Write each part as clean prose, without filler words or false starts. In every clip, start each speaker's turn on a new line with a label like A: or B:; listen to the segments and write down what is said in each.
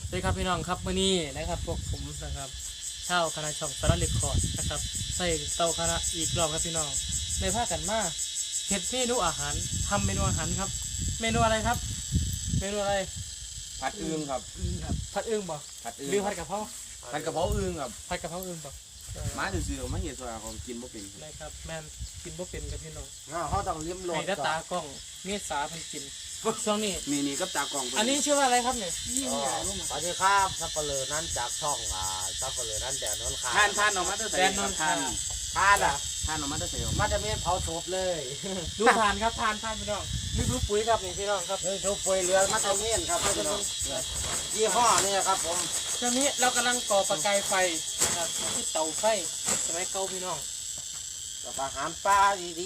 A: สวัสดีครับพี่น้องครับมื้อนี้นะครับพวกผมนะครับชาวคณะช่องสารเล็กคอร์ดนะครับใส่เตาคณะอีกรอบครับพี่น้องในภาคกันมาเฮ็ดเมนูอาหารทำเมนูอาหารครับ เมนูอะไรครับ เมนูอะไร
B: ผัดอึ่งครับ
A: อึ่งครับผัดอึ่งบ่
B: ผัดอึ่ง
A: หรือผัดกะเพรา
B: ผัดกะเพราอึ่งครับ
A: ผัดกะเพราอึ่งบ่
B: มาซื่อๆมาเห็นส่วนของกินบ่เป็น
A: ได้ครับแม่นกินบ่เป็นกับพี่น้อง
C: เขาต้องลิ้มรส
A: ให้ตาตากล้องเมษาเพิ่นกินช่วงนี้
B: นี่กับตากล่อง
A: อันนี้ชื่อว่าอะไรครับเนี่ย
C: สวัสดีครับซับเปลือนั้นจากช่องซับเปลือนั้นแดนนนท์คา
B: ท่านออกมาตั้งแต่
A: แดนนนท์
B: ท่าน
C: ทานอ่ะ
B: ท่านออกมาตั้งแต่
C: มันจะมีเผาศพเลย
A: ดูทานครับทานพี่น้องนี่คือปุ๋ยครับนี่พี่น้องครับ
C: นี่ทุกป่วยเรือมันจะมีครับพี่น้องยี่ห้อนี่ครับผม
A: ตอนนี้เรากำลังก่อประกายไฟนะครับที่เตาไฟสมัยเก่าพี่น้อง
C: กับอาหารปลาดี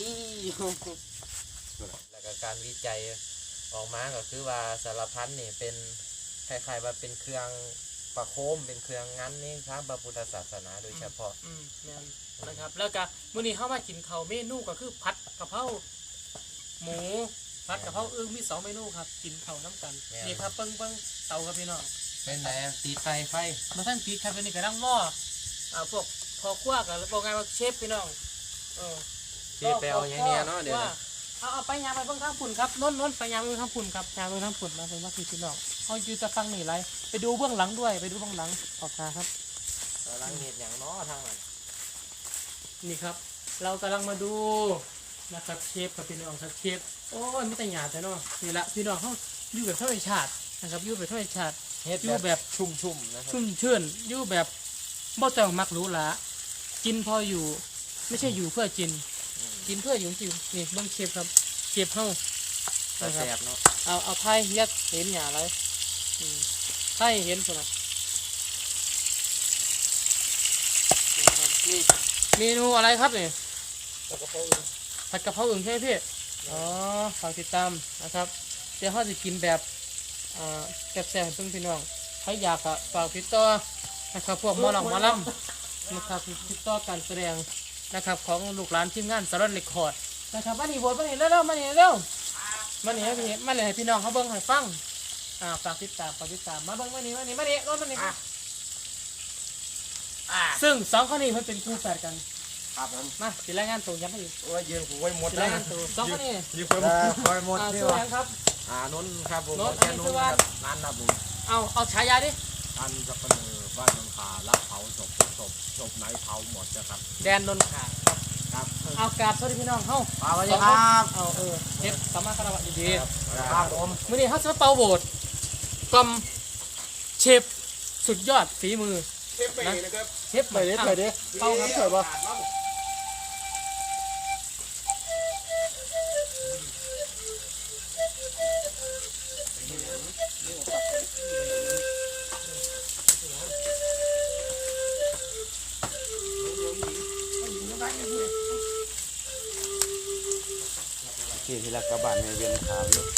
D: แล้วก็การวิจัยออกมาก็คือว่าสารพัดนี่เป็นคล้ายๆว่าเป็นเครื่องประโคมเป็นเครื่องงั้นนี่ครับพระพุทธศาสนาโดยเฉพาะ
A: แม่นนะครับแล้วก็มื้อนี้เข้ามากินข้าวเมนูก็คือผัดกะเพราหมูผัดกะเพราอึ่งมี2เมนูครับกินข้าวน้ำกันนี่ครับเบิ่งเตาครับพี่น้อง
D: เป็นไงตีไฟไฟ
A: มาทั้งปีครับอันนี้ก็นั่งหม้อพวกพอครัวกันบอกไงว่าเชฟพี่น้อง
D: เจ๊ไปเอาอย่างเนี้ยเนาะเดี๋ยว
A: ว่าเอาไปยามไปเบิ่งทางฝุ่นครับน้นไปยามไปเบิ่งทางฝุ่นครับยามไปเบิ่งทางฝุ่นมาเป็นว่าพี่น้องเขาอยู่จะฟังนี่ไรไปดูเบื้องหลังด้วยไปดูเบื้องหลังออกมาครับ
D: กำลังเห็ดอย่างเนาะทางนั้น
A: นี่ครับ เรากำลังมาดูนะครับเชฟกับพี่น้องครับเชฟโอ้ยไม่แต่หยาดแต่เนาะนี่ละพี่น้องเขาอยู่แบบธรรมชาตินะครับอยู่แบบธรรมชาติ
D: เห็ด
A: อยู่แบบ
D: ชุ่มๆนะครับ
A: ชุ่มชื่นอยู่แบบบ่ต้องมักหรู้ละกินพออยู่ไม่ใช่อยู่เพื่อกินกินเพื่ออยู่จริงนี่เบิ่งเชฟครับเชฟเฮา
D: แต่
A: นะครับ
D: แซ่บเนาะ
A: เอาไทยยัดเห็นหยาอะไรไทยเห็นคนนะนี่เมนูอะไรครับเนี่ยผัดกะเพราอึ่งใช่ไหมพี่อ๋อฝากติดตามนะครับเดี๋ยวเขาจะกินแบบแซ่บๆให้เพิ่งพี่น้องใครอยากอะฝากติดต่อนะครับพวกหมอลำนะครับติดต่อการแสดงนะครับของลูกหลานทีมงานสารเลคคอร์ดนะครับมาหนีบทมาหนีเร็วๆมาหนีเร็วมาหนีให้พี่น้องเขาเบิ้งให้ฟังฝากติดตามมาเบิ้งมาหนีรถมาหนีซึ่งสองคนนี้มันเป็นคู่แฝดกัน
C: ๆครับผม
A: มาสิรายงานตัวย้ำไปอีก
C: โอ้ยยืนกูไว้หมด
A: สิ
C: เล
A: ราย ยงานตัวสองคนนี้
C: คอยหมดนี่
A: ชื่อ
C: วะ
A: อะไรครับ
C: นนท์ครับผม
A: นนท์
C: แค่น
A: อันนี้
C: น
A: ชื่อ
C: ท์
A: ว่า
C: ครับนั่นนะผม
A: เอาฉายาดิ
C: อันซับเปลือบ้านนนท์คารับเผาศพไหนเผาหมดนะครับ
A: แดนนนท์ขา
C: ครับ
A: เอากราบสวัสดีพี่น้องเฮ้า
C: สวัสดีครับ
A: เอาเฮ็ดสามารถคารวะดี
C: ครับผม
A: ๆมื้อนี้เขาจะมาเป่าโบสถ์กลมเชฟสุดยอดฝีมือเชฟไปนะครับเชฟไปดิเป่าครับเฉยป่ะ
B: ที่ละกระบาดในเวียนขาวอยู่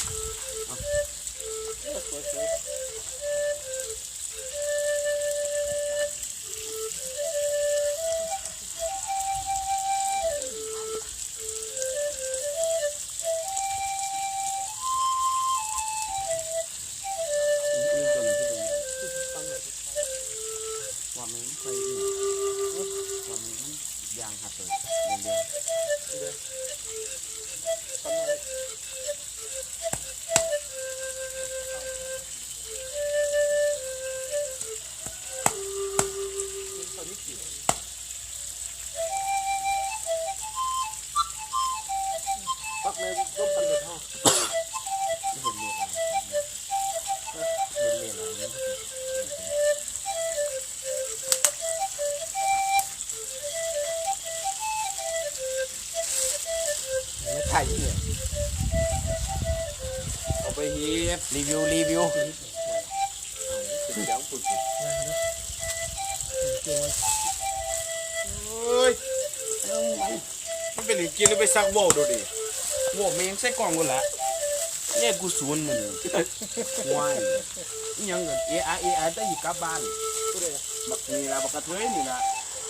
B: ว่ามันใส่เนี่ยว่ามันยางหักเลยเดียว
C: ปักในร่มกันเลยพ่อ
B: ไม่เห็นเรียนอะไรเห็นเรียนอะไร
C: ไม่ใช่เนี่ย
B: เอาไปเฮ็ด
C: รีวิว
B: เสียงปุ่นเฮ้ยมันเป็นหรือกินแล้วไปซักโว่ดูดิโว่มันยังใส่กล่องกูละเนี่ยกูศูนย์มึงว้ายอิหยังเงินเอไอได้อยู่กลับบ้านบักนี่ละบักกระเทยนี่ละ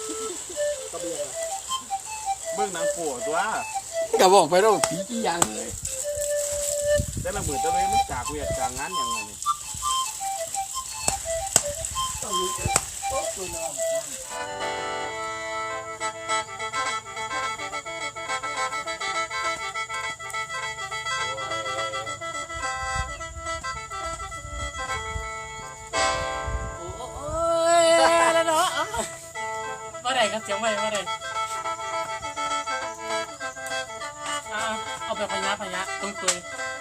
B: เบิ่งหนังโป้ตัว
C: ก็บอกไปแล้วผีกี่อย่างเลย
B: แต่ละมือตะเลยมันจากเวียดจากงานอย่างไรนี่
A: โอ้ยแล้วเนาะมาไหนครับเสียงมาไหนเอาแบบพยะตรงตัว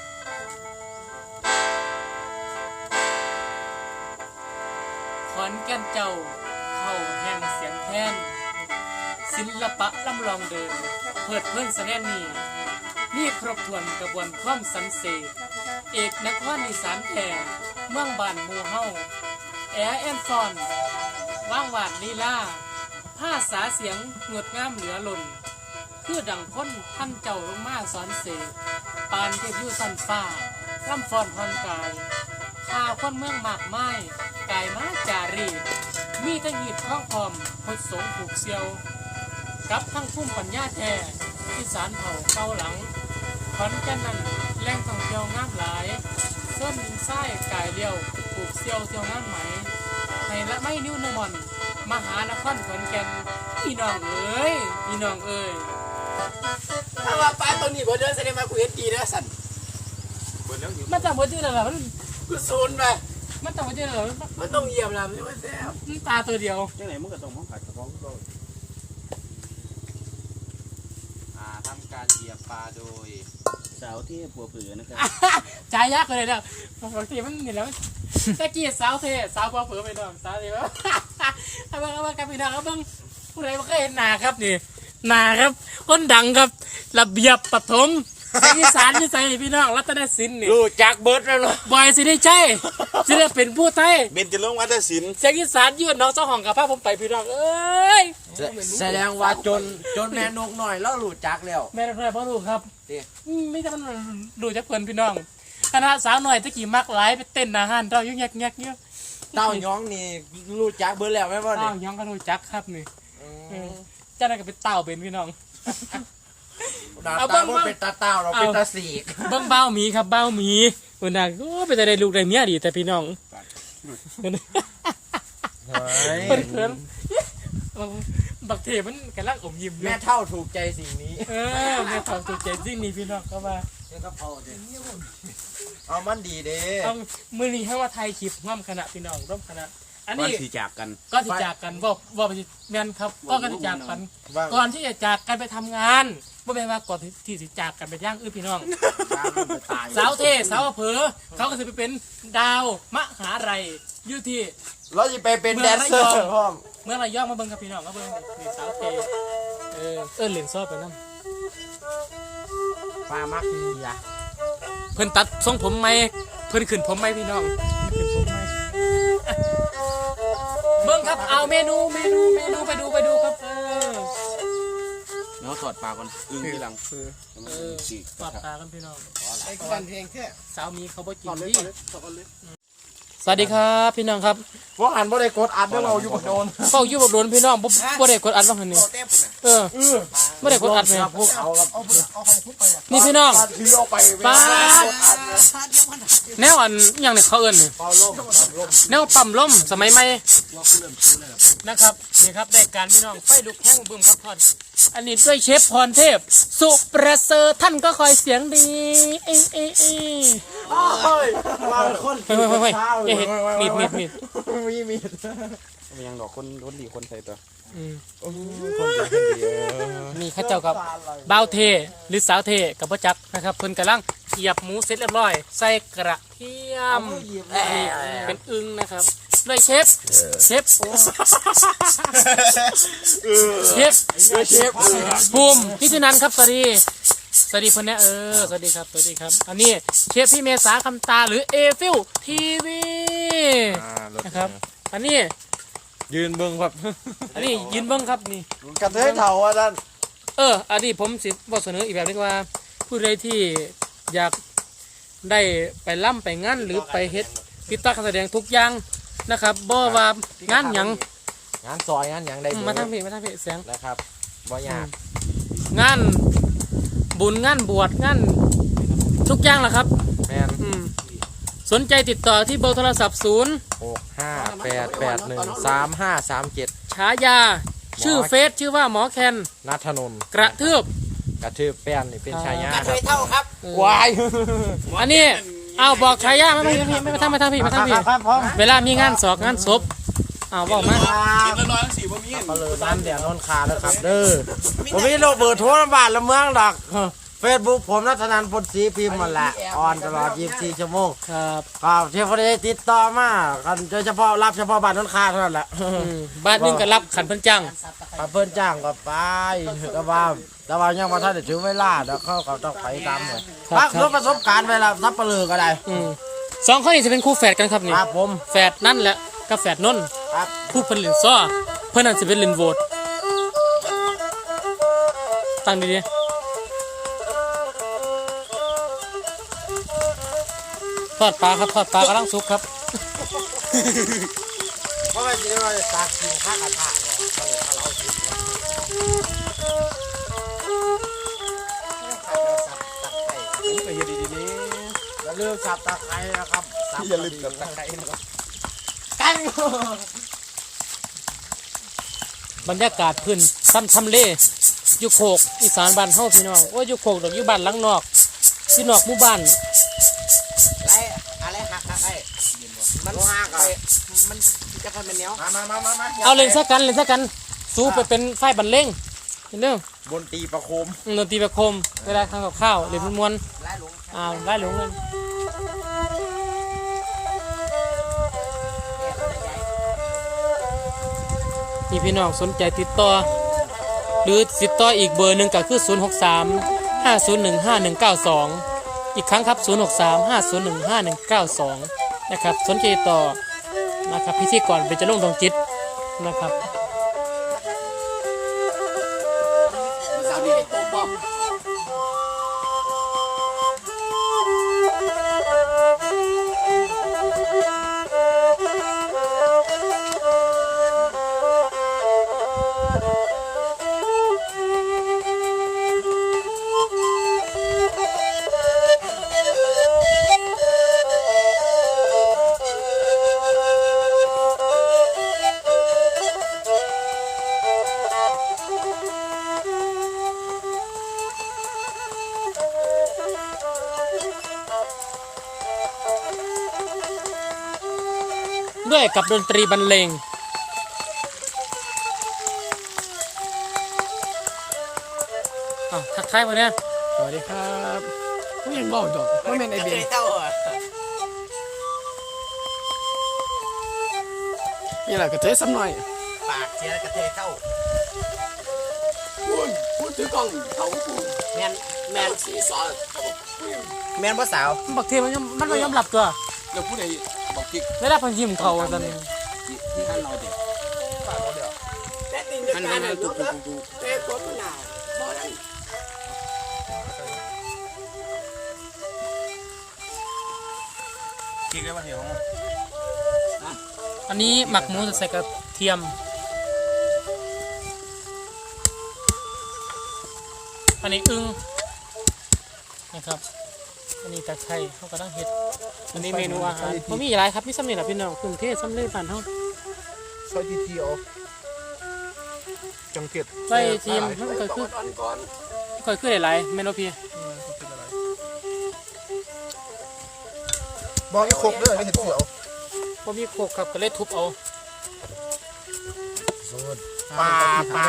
A: ขอนแก่นเจ้าเข้าแห่งเสียงแค้นศิลปะล่ำลองเดินเพิดเพลินแสดงนี้มีครบถ้วนกระบวนความสันเสกเอกนครอีสานแท้เมืองบ้านหมู่เฮาแอแอนฟอนว่างหวาดลีลาผ้าสาเสียงงดงามเหลือล้นคือดังพ้นท่านเจ้าลงมาสอนเสกปานเทพยุสันฟ้าล่ำฟอนพรกายข้าคนเมืองมากไม้กายมาจารีมีตั้งหีบข้องพร้อมพดสงผูกเซียวกับทั้งพุ่มปัญญาแท้ที่สารเผ่าเกาหลังขอนแก่นนั้นแหล่งท่องเที่ยวงามหลายส้นไส้กายเลี้ยวผูกเซียวเที่ยวงามไหมให้ละไม่นิ้วนมอนมหานครขอนแก่นพี่น้องเอ้ยพี่น้องเอ้ย
C: ถ้าว่าป้าตัวนี้บ่เดินแสดงมากูเห็นดีนะสัน
A: มันจำหัวใจเลยเหรอ
C: กูซูนไป
A: มันจำหัวใจเลยเหรอ
C: มันต้องเยี่ยมแล้วไม่ใช่ว่าแซ่บ
A: มันตาตัวเดียว
B: จังไหนมึงก็ต้องมองผัดกระเพาะเรา
D: ทำการเหยียบปลาโดย
B: สาวที่ปัวเผือนะครับ
A: ใจยากเลยเนี่ยบางทีมันเห็นแล้วตะกี้สาวเทสาวพอเผือไปน้องสาวเทว่าเอาเบิ่งกันพี่น้องเอาเบิ่งผู้ใดบ่เคยเห็นหน้าครับนี่หน้าครับคนดังครับระเบียบปฐมอีสานที่ใส่นี่พี่น้องรัตนศิลป์นี่
C: รู้จักเบิร์ดแล้วเนาะ
A: บอยสิได้ใช่สิได้เป็นผู้ไทย
B: เบนจะลงวัฒนศิลป์
A: เสียงอีสานยืนน้องเจ้าของกับพาผมไปพี่น้องเอ้ย
C: แสดงว่าจนแม่นกหน่อยแล้วรู้จักแล้ว
A: แม่นพ่อลูกครับ
C: ดิ
A: ไม่ใช่มันดูจากเพื่อนพี่น้องคณะสาวหน่อยตะกี้มักหลายไปเต้นอาหารเต้ายุ่งยักยักเยอะ
C: เต้าย้องนี่รู้จักเบิร์ดแล้วไหมบ่
A: เต้า
C: นี่
A: ย้องก็รู้จักครับนี่เจ้านั่นก็เป็นเต้าเป็นพี่น้อง
C: ตา
A: เอาเบิ่
C: ตาง บ่เป็นตาเต้าเราเป็นตาสีก
A: เบิ้งเบ้าหมีครับเบ้าหมีวันนั้นก็ไปจะได้ลูกได้เมียดีแต่พี่น้องเพิ่นเพิ่นบักเทมันกำลังอมยิ้มอยู่
C: แม่เท่าถูกใจสิ่งนี้
A: แม่ถอดสุดใจจริงนี่พี่น้องเข้ามา
C: เอามันดีเด้
A: เอามือนี้ให้ว่าไทยคลิปร่วมคณะพี่น้องร่วมคณะอัน
B: วัน
A: นี้
B: ที่จากกัน
A: ก็ที่จากกันว่าไปแม่นครับก็ที่จากกันก่อนที่จะจากกันไปทำงานไม่เป็นว่าก่อนที่จะจากกันไปย่างพี่น้องสาวเทสาวอำเภอเขาก็จะไปเป็นดาวมหาไรอยู่ที่
C: เราจะไปเป็นแดนเซอร์พร้อม
A: เมื่อไรย่องมาเบิ่งกับพี่น้องมาเบิ่งนี่สาวเทเหรียญซอบไปนั่น
C: ปลามักดีอ่ะ
A: เพิ่นตัดทรงผมไหมเพิ่นขึ้นผมไหมพี่น้องขึ้นผมไหมเบิ่งครับเอาเมนูไปดูครับ
B: เนาะถอดปลาก่อนอึ้งทีหลัง
A: ปอดตากันพี่น้อง
C: ไอ้กันเพลงแค่
A: สาวมีเขาบ่กินดิสวัสดีครับพี่น้องครับ
C: ว่าอ่านบ่ได้กดอัดแล้วเราอยู่บ่โดน
A: เฝ้าอยู่บ่โดนพี่น้องบ่ได้กดอัดว่าหั่นนี่บ่ได้กดอัดแม่
C: พวกเอาครับเอาของทุบไป
A: นี่พี่น้อง
C: ถือเอาไป
A: ป้าแนวอันอหย่างนี้เขาเอิ้นนี่
C: เป่าลม
A: แนวปั๊มลมสมัยใหม่นะครับนี่ครับได้การพี่น้องไฟลุกแห้งบึ้มครับพอดอันนี้ด้วยเชฟพรเทพสุประเสริฐท่านก็คอยเสียงดี
C: เฮ้ยมาคน
A: เฮ้ยอย่าเห็นมีด
C: มีด
B: ไม่ยังดอกคนดีคนใส่ตัว
C: คนดี
A: นี่ข้าเจ้ากับบ่าวเทหรือสาวเทกับพ่อจักนะครับเพิ่นกำลังเหยียบหมูเสร็จเรียบร้อยใส่กระเทียมนี่เป็นอึ่งนะครับด้วยเชฟภูมิพิธีนันท์ครับสวัสดีเพิ่นเนี่ยสวัสดีครับอันนี้เชฟพี่เมษาคำตาหรือเอฟิลทีวีนะครับอันนี้
C: ยืนเบิ่งครับ
A: อันนี้ยืนเบิ้งครับนี่
C: กระเทยเถาว่าด้าน
A: อันนี้ผมสิบอกเสนออีกแบบนึงว่าผู้ใดที่อยากได้ไปล่ำไปงานหรือไปเฮ็ดกิจกรรมการแสดงทุกอย่างนะครับบ่ว่างานหยัง
C: งานซอยงานหยังได้
A: มาทางพี่เสียง
C: นะครับบ่ยาก
A: งานบุญงานบวชงานทุกอย่างแหละครับ
C: แม่น
A: สนใจติดต่อที่เบอร์โทรศัพท์
D: 0658813537
A: ฉายาชื่อเฟซชื่อว่าหมอแคน
D: นัทนนท์
A: กระทืบ
D: กระทืบแป้นนี่เป็นชายา
C: เคยเท่าครับ
D: วาย
A: อันนี้เอาบอกฉายาไม่ทำพี่
C: ครับผม
A: เวลามีงานศอกงานศพเอาบอกมา
B: กินละร้อยสี่บ่มี
C: สับปะเลอนั้นเดี๋ยวนนคาแล้วครับเด้อผมมีโรคเบอร์โทรบ้านละเมืองดอกเฟซบุ๊กผมนัทนันท์พลศรีพิมพ์หมดแหละออนตลอด24ชั่วโมง
A: ครับ
C: ครับเที่ยวพอดีติดต่อมากันโดยเฉพาะรับเฉพาะบ้านนนคาเท่านั้นแหละ
A: บ้านนึงก็รับขันเพิ่นจัง
C: ถ้าเพิ่นจ้างก็ไปแต่ว่ายังมาท่านได้ถึงเวลาเดี๋ยวเขาก็ต้องไปตามเลยพักรถประสบการณ์เวลาทับปะลือก็ได้
A: สองคนนี้จะเป็นคู่แฝดกันครับนี่
C: ครับผม
A: แฝดนั่นแหละกับแฝดนนท์
C: ครับ
A: ผู้เพิ่นเล่นซ้อเพิ่นนั่นสิเป็นเล่นโหวตตั้งดีๆทอดปลาครับทอดปลากำลังสุกครับ
C: เพราะว่าจริงๆเราจะตักกินข้าวกระทะเนี่ยถ้าเราคิด
B: ผมก็เฮ็ดดีๆนี่
C: อย่าลืมสับตะไคร้นะครับสับ
B: อย่าลืมกับตะไคร้นะครับ
C: กัน
A: บรรยากาศพื้นทำเลอยู่โคกอีสานบ้านเฮาพี่น้องโอ้ยอยู่โคกดอกอยู่บ้านหลังนอกที่นอกหมู่บ้าน
C: อะไรหักไอ้มันหักอ่ะมันจะกันเป็นเหนียว
B: มา
A: เอาเล่นซะกันสู้ไปเป็นไฟบรรเลงเห็นเด้อบ
D: นตีประโคม
A: ดนตรีประโคมเวลาทำกับข้าวเล่นมวน
C: ไล่หลง
A: ๆได้หลงกันนี่พี่น้องสนใจติดต่อหรือติดต่ออีกเบอร์หนึ่งก็คือ 063 501 5192 อีกครั้งครับ 063 501 5192 นะครับสนใจติดต่อนะครับพิธีกรเป็นจะลงดวงจิตนะครับ
C: สาวนี่โป๊ะบอก
A: ด้วยกับดนตรีบรรเลงทักทายมาเนี่ยสวัสดีครับผู้ยังบอกจบว่าเป็นไอเบีย
C: เท่าอ่ะ
A: นี่แหละกระเทยซ้ำหน่อย
C: ปากเชียร์กระเทยเข้า
B: พูดถือกล้องเขากู
C: แมนสีซอสแมนพ่อสาว
A: บักเทมันไม่ยอมหลับตัว
B: แล้วผู้ใดบอกกิ๊ก
A: ไม่ได้พันยิ้มเขาตอนนี้
B: ที่ท่านเราเด็กท่านถูกกิ๊กได้ป่ะเหี้ยของ
A: อันนี้หมักหมูใส่กระเทียมอันนี้อึ้งนะครับอันนี้ตะไคร้เขากำลังเห็ดอันนี้เมนูอาหารเขามีหลายครับพี่ซ้ำนี่แหละพี่น้องกรุงเทพซ้ำเลยผ่านเท่า
B: ซอยทีเอาจังเก็ด
A: ไล่ทีมมันเคยคือหลายๆเมนูพี่
B: บอกอีกครบเลยไม่เห็นเสียว
A: พอมีโขกครับก็เลยทุบเอา
C: ปลา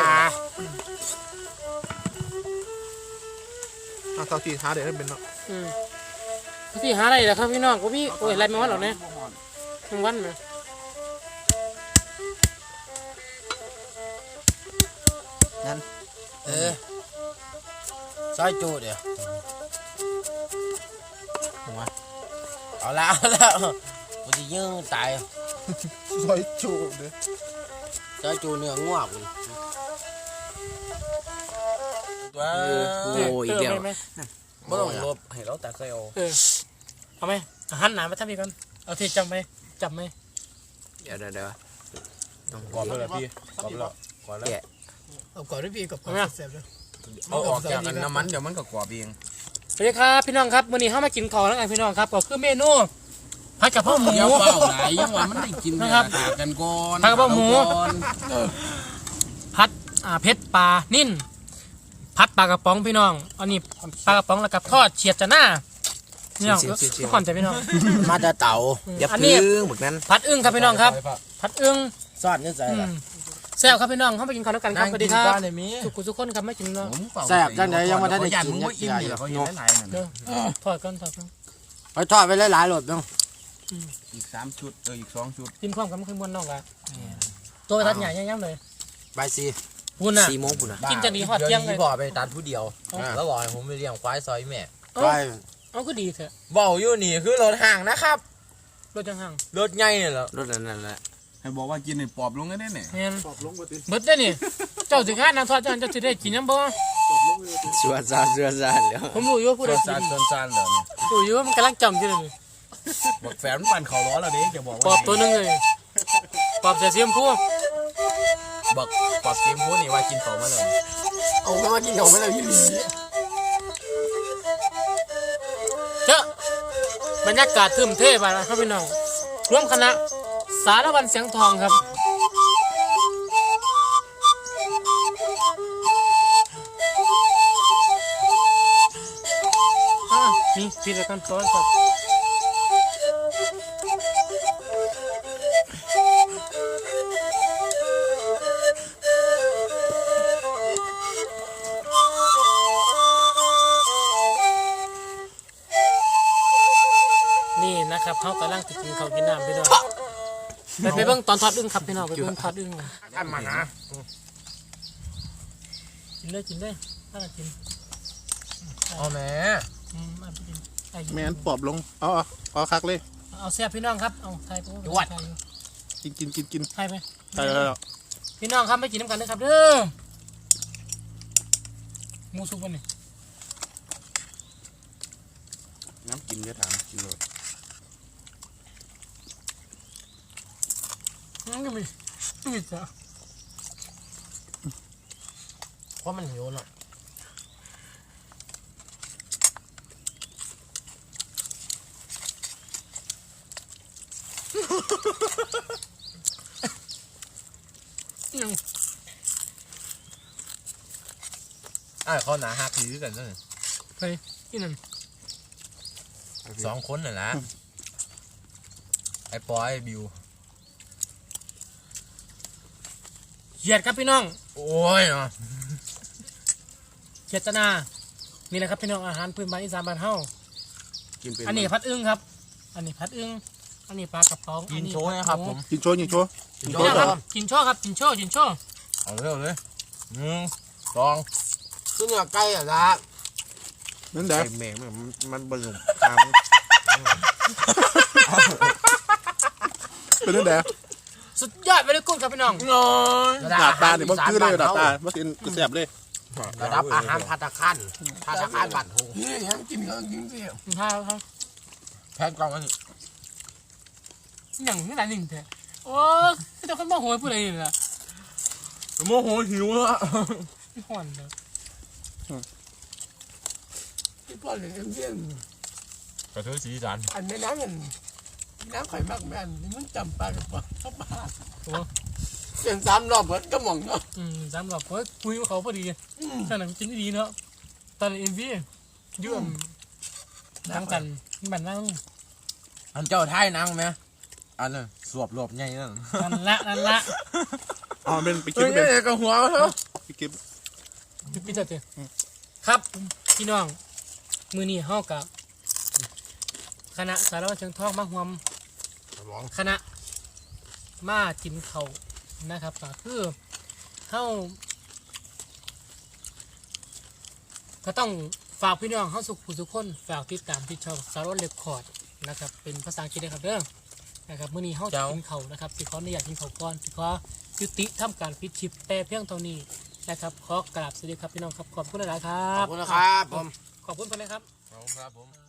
B: เท่าที่หาเดี๋ยวได้เป็นเนาะ
A: พี่หาอะไรล่ะครับพี่น้องก็มีโอ้ยอะไรมาวันหรอกเนี่ยทั้งวันไหม
C: ซอยจูเดี๋ยวเอาแล้วกูจะยื้อตาย
B: ซอยจูเด้อ
C: ซอยจูเนื้อง่วงคุณ
B: ว้า
A: โอ้ยเดียวไหม
C: ไม่ต้องลบให้เราตัดใส่เอา
A: เอาไหมหันหนามาทำอีกกันเอาที่จำไหมจำไหม
C: เดี๋ยว
B: กรอบเลยพี่กรอบแล้วกรอบแล้ว
A: เอาก่อนด้วยพี่กับก่อนเสร็จแล้ว
B: เอาออกจากกันน้ำมันเดี๋ยวมันก็กรอบเอง
A: สวัสดีครับพี่น้องครับวันนี้เข้ามากินข้าวแล้วกันพี่น้องครับก็คือเมนูผผัดกะเพราหมู
B: เดี๋ยวเปล่าไหนยังว่ามันได้กิน
A: นะครับ
B: ถากันก่อน
A: ผัดกะเพราหมู
B: ก่อน
A: ผัดเผ็ดปลานิ่นผัดปลากระป๋องพี่น้องอันนี้ปลากระป๋องแล้วกับทอดเฉียดจะหน้าพี่น้องทุกคนใจพี่น้อง
C: มาแต่เต่าอย่า
A: อันนี้
C: พึ่งแบบนั้น
A: ผัดอึ้งครับพี่น้องครับผัดอึ้ง
C: ซ่อนนี่ใส่ละ
A: แซ่บครับพี่น้องเข้าไปกินข้าวด้วยกันครับสวัสดีครับ
D: ในมี
A: ทุกคนครับไม่กินเนาะ
B: ผมเปล่า
C: แซ่บจังไหนยังไม่ได้
B: ยัน
C: กิ
B: มึ
C: น
B: งว่าอิ่มนี่แหละเขาเห็นหลายๆนั่น
A: เดี๋ยวทอดกัน
C: ไปทอดไปหลายๆรอบเนาะ
B: อีก3ชุดอีก2ชุด
A: กินพร้อมกันไม่เคยม้วนนอกอะตัวทัดใหญ่ย่ำเลย
C: ใบซี
A: วุ้นอ่ะ
C: 4 โมงปุ่นอ่ะ
A: กินจะดีหอดเที่ยงเลย
D: พ่อไปตัดผู้เดียว แล้วบอกให้ผมไปเลี้ยงควายซอยแม่
C: ไป
A: เอาก็ดีเถอะ
D: บอกอยู่นี่คือรถห่างนะครับ
A: รถจังห่าง
D: รถใหญ่เนี่ยเหรอ
C: รถนั่นแหละ
B: ให้บอกว่ากินให้ปอบลงได้เนี่ย
A: แมนเบิดได้นี่เจ้าสิงานนางทอดเจ้าจะได้กินยังบ่
C: สวนซานแล้ว
A: ผมรู้อยู่ว่าผู้ใดกิ
B: ซาน
A: น
B: ซานเลยเนี่ย
A: รู้อยู่ว่ามันกำลังจำอยู่เลย
B: บอกแฟนมันปั่นเขาล้อแล้วเด้จะบอก
A: ป
B: ว่า
A: อบตัวหนึงเลยปอบเสียเสียมพู
D: บอกปอบเกมพูดนี่ว่ากินเขามาเลย
C: เอาไปว่ากินของไม่ได้ยี่หลี
A: เจ้าบรรยากาศทึมเทพอะไรครับพี่น้องร่วมคณะสารวันเสียงทองครับนี่พิธีการซ้อนครับนี่นะครับเขากำลังจะกินข้าวกินน้ำพี่น้องไปเบิ่งตอนทอดอึ้งครับพี่น้องไปเบิ่งทอดอึ้ง
C: ท่านมานะ
A: กินเลยถ้ากิน
D: อ๋อแม่
A: มาไปกินไอ้
B: แม่นปอบลงเอาคักเลย
A: เอาแซ่บพี่น้องครับเอาไทยไป
B: กิน
A: ไทยไป
B: ใช่แล้ว
A: พี่น้องครับไม่กินน้ำกันนะครับเด้อหมูสุกวันนี้
B: น้ำกินจะถามกินเลย
A: ก็มีจ้ะ
C: เพราะมันหิวเนาะ
A: ยัง
D: เขาหนาหักถือกันเลย
A: ไปที่นั่น
D: 2 คนน่ะนะไอ้ปอยไอ้บิว
A: เหยียดครับพี่น้อง
D: โอ้ย
A: เจตนานี่แหละครับพี่น้องอาหารพื้นบ้านอีสานบ้านเฮา
B: กินเป็น
A: อันนี้พัดอึ้งครับ อันนี้พัดอึ้งอันนี้ปลากระป๋อง
D: กินโชว์นะครับผม
B: กินโชว์
A: กินโชว์ครับกินโชว์ครับกินโชว์
D: เอาเร็วเลย1 2
C: คือเนื้อไก่อ่ะนะ
B: นั่นแหละ
C: ไก่แมงมันบรรลุตาม
B: เป็นนั่นแหละ
A: สุดยอดไปเลยกุ้งครับพี่น้อง
D: น้อย
B: ดาบตาเนี่ยมันคือเลยดาบตามันกินแซ่บเลย
C: ระดับอาหารภัตตาคารบัตรหง
A: ข้าวครับ
D: แพงกล่องอันนี้
A: อย่างนี้หลายหนึ่งแท้โอ้ยเจ้าคนบ้าโหยพูดอะไรนี่ล่ะ
D: โมโหหิวแล้ว
A: ไม่ห่อนเลย
E: ที่พ่อเลี้ยงเลี้ยง
D: กระเทือสีสัน
E: อันแม่น้ำมันน้ำไข่มากแม่นนี่มันจำปลากับปลาเข้าปลา
A: โอ้
E: เปลี่ยน3 รอบเหมือนกระหม่อมเนาะ
A: สามรอบเฮ้ยคุยกับเขาพอดีขนาดกินดีเนาะตอนเอ็มวียื่มนั่งกันบันนั่ง
D: อันเจ้าไทยนังไหมอันนั้นสวบรวบใหญ่นั่น
A: นั่นละ
B: อ๋อเป็นไปกิน
D: เฮ้ย
B: เป็น
D: กับหัวเขา
B: ไปกิน
A: พี่จัดเถอะครับพี่น้องมือนี้เฮากับคณะสารวัตรเชิงทองมาหวมคณะมากินเขาวนะครับก็คือเฮาก็ต้องฝากพี่น้องเฮาสุขผู้ทุกคนฝากติดตามที่ช่องสารวัตรเรคคอร์ดนะครับเป็นภาษาอังกฤษนะครับเด้อนะครับมื้อนี้เฮาจะกินเขาวนะครับสิขออนุญาตกินเขาวก่อนสิขอยุติทำการปิดชิปแต่เพียงเท่านี้นะครับขอกราบสวัสดีครับพี่น้องครับขอบคุณหลายๆครั
C: ขอ
A: บบ
C: คุณนะครับผม
A: ขอบคุณเพื่อนนะครับ
D: ครับผม